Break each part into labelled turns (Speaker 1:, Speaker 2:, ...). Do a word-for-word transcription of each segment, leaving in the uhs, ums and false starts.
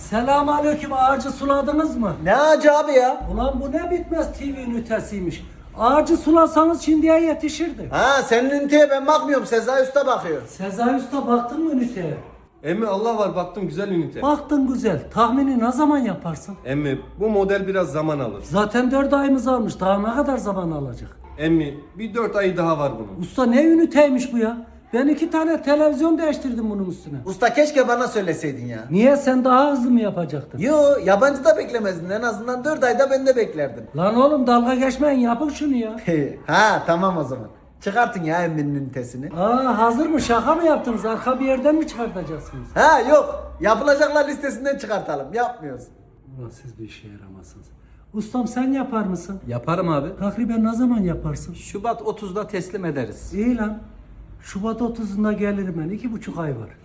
Speaker 1: Selamünaleyküm, ağacı suladınız mı?
Speaker 2: Ne ağacı abi ya?
Speaker 1: Ulan bu ne bitmez T V ünitesiymiş. Ağacı sulasanız şimdiye yetişirdi.
Speaker 2: Ha senin üniteye ben bakmıyorum, Sezai Usta bakıyor.
Speaker 1: Sezai Usta baktın mı üniteye?
Speaker 3: Emmi Allah var baktım güzel ünite.
Speaker 1: Baktın güzel. Tahmini ne zaman yaparsın?
Speaker 3: Emmi bu model biraz zaman alır.
Speaker 1: Zaten dört ayımız almış. Daha ne kadar zaman alacak?
Speaker 3: Emmi bir dört ayı daha var bunun.
Speaker 1: Usta ne üniteymiş bu ya? Ben iki tane televizyon değiştirdim bunun üstüne.
Speaker 2: Usta keşke bana söyleseydin ya.
Speaker 1: Niye, sen daha hızlı mı yapacaktın?
Speaker 2: Yo, yabancı da beklemezdin, en azından dört ayda ben de beklerdim.
Speaker 1: Lan oğlum dalga geçmeyin, yapın şunu ya.
Speaker 2: Ha tamam o zaman. Çıkartın ya emminin ünitesini.
Speaker 1: Aa, hazır mı? Şaka mı yaptınız? Arka bir yerden mi çıkartacaksınız?
Speaker 2: Ha yok, yapılacaklar listesinden çıkartalım, yapmıyoruz.
Speaker 1: Ulan siz bir işe yaramazsınız. Ustam sen yapar mısın?
Speaker 4: Yaparım abi.
Speaker 1: Takriben ne zaman yaparsın?
Speaker 4: Şubat otuzda teslim ederiz.
Speaker 1: İyi lan. Şubat otuzunda gelirim ben. İki buçuk ay var.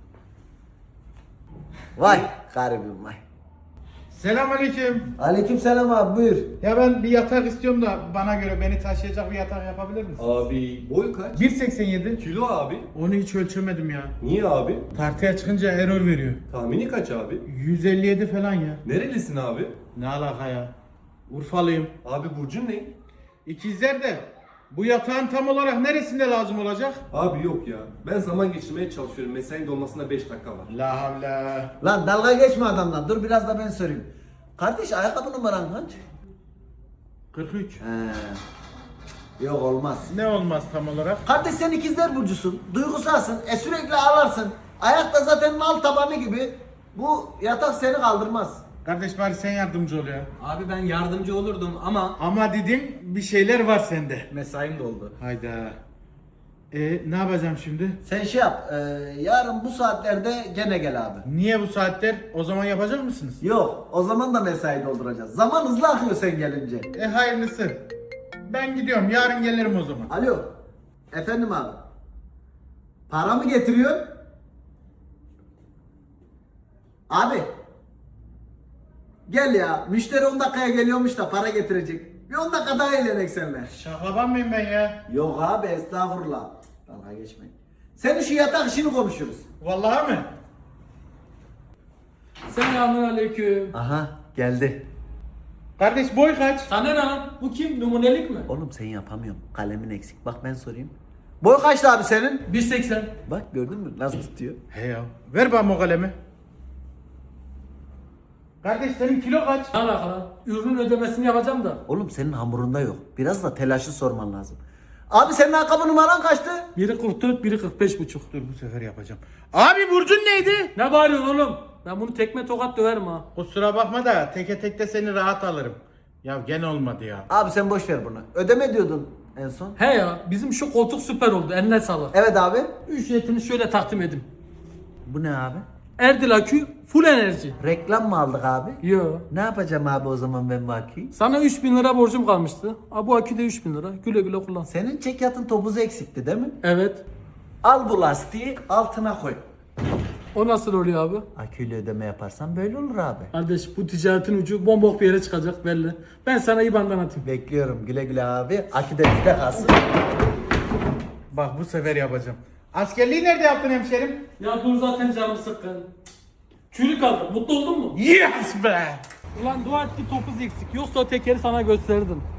Speaker 2: Vay garibim vay.
Speaker 5: Selamünaleyküm.
Speaker 2: Aleykümselam abi, buyur.
Speaker 5: Ya ben bir yatak istiyorum da bana göre beni taşıyacak bir yatak yapabilir misin?
Speaker 3: Abi boy kaç?
Speaker 5: bir seksen yedi.
Speaker 3: Kilo abi.
Speaker 5: Onu hiç ölçemedim ya.
Speaker 3: Niye abi?
Speaker 5: Tartıya çıkınca error veriyor.
Speaker 3: Tahmini kaç abi?
Speaker 5: yüz elli yedi falan ya.
Speaker 3: Nerelisin abi?
Speaker 5: Ne alaka ya? Urfalıyım.
Speaker 3: Abi burcun ne?
Speaker 5: İkizler de bu yatağın tam olarak neresinde lazım olacak?
Speaker 3: Abi yok ya. Ben zaman geçirmeye çalışıyorum. Mesainin dolmasına beş dakika var.
Speaker 5: La havla.
Speaker 2: Lan dalga geçme adamdan, dur biraz da ben sorayım. Kardeş ayakkabı numaran kaç?
Speaker 5: kırk üç.
Speaker 2: He. Yok olmaz.
Speaker 5: Ne olmaz tam olarak?
Speaker 2: Kardeş sen ikizler burcusun, duygusalsın, e sürekli ağlarsın. Ayakta zaten nal tabanı gibi. Bu yatak seni kaldırmaz.
Speaker 5: Kardeş bari sen yardımcı ol ya.
Speaker 4: Abi ben yardımcı olurdum ama
Speaker 5: Ama dedim bir şeyler var sende.
Speaker 4: mesaim doldu.
Speaker 5: Hayda. E ne yapacağım şimdi?
Speaker 2: Sen şey yap, e, yarın bu saatlerde gene gel abi.
Speaker 5: Niye bu saatler? O zaman yapacak mısınız?
Speaker 2: Yok, o zaman da mesai dolduracağız. Zaman hızlı akıyor sen gelince.
Speaker 5: E hayırlısı. Ben gidiyorum. Yarın gelirim o zaman.
Speaker 2: Alo, efendim abi. Para mı getiriyorsun? Abi. Gel ya, müşteri on dakikaya geliyormuş da para getirecek. Bir on dakika daha eğlenek seninle.
Speaker 5: Şaklaban mıyım ben ya?
Speaker 2: Yok abi, estağfurullah. Dalga geçmeyin. Senin şu yatak işini konuşuruz.
Speaker 5: Vallahi mi?
Speaker 1: Selamünaleyküm.
Speaker 2: Aha, geldi.
Speaker 5: Kardeş boy kaç?
Speaker 1: Sana ne lan? Bu kim? Numunelik mi?
Speaker 2: Oğlum sen yapamıyorum. Kalemin eksik. Bak ben sorayım. Boy kaçtı abi senin?
Speaker 1: bir seksen.
Speaker 2: Bak gördün mü nasıl tutuyor?
Speaker 5: He ya. Ver bana o kalemi. Kardeş senin kilo kaç?
Speaker 1: Ne alaka lan? Ürünün ödemesini yapacağım da.
Speaker 2: Oğlum senin hamurunda yok. Biraz da telaşı sorman lazım. Abi senin ayakkabı numaran kaçtı?
Speaker 1: Biri kırk dört, biri kırk beş buçuk.
Speaker 5: Dur bu sefer yapacağım. Abi burcun neydi?
Speaker 1: Ne bağırıyorsun oğlum? Ben bunu tekme tokat döverim ha.
Speaker 5: Kusura bakma da teke tekte seni rahat alırım. Ya gene olmadı ya.
Speaker 2: Abi sen boş ver bunu. Ödeme diyordun en son.
Speaker 1: He ya, bizim şu koltuk süper oldu. Eline sağlık.
Speaker 2: Evet abi.
Speaker 1: Ücretini şöyle takdim edeyim.
Speaker 2: Bu ne abi?
Speaker 1: Erdil akü full enerji.
Speaker 2: Reklam mı aldık abi?
Speaker 1: Yo.
Speaker 2: Ne yapacağım abi o zaman ben bu aküyü?
Speaker 1: Sana üç bin lira borcum kalmıştı. Ha, bu akü de üç bin lira. Güle güle kullan.
Speaker 2: Senin çekyatın topuzu eksikti değil mi?
Speaker 1: Evet.
Speaker 2: Al bu lastiği altına koy.
Speaker 1: O nasıl oluyor abi?
Speaker 2: Aküyle ödeme yaparsan böyle olur abi.
Speaker 1: Kardeş bu ticaretin ucu bombok bir yere çıkacak belli. Ben sana I B A N'dan atayım.
Speaker 2: Bekliyorum güle güle abi. Akü de bizde kalsın.
Speaker 5: Bak bu sefer yapacağım. Askerliği nerede yaptın hemşerim?
Speaker 1: Ya dur zaten canım sıkkın. Çürük aldım. Mutlu oldun mu?
Speaker 5: Yes be!
Speaker 1: Ulan dua et ki topuz eksik. Yoksa o tekeri sana gösterdim.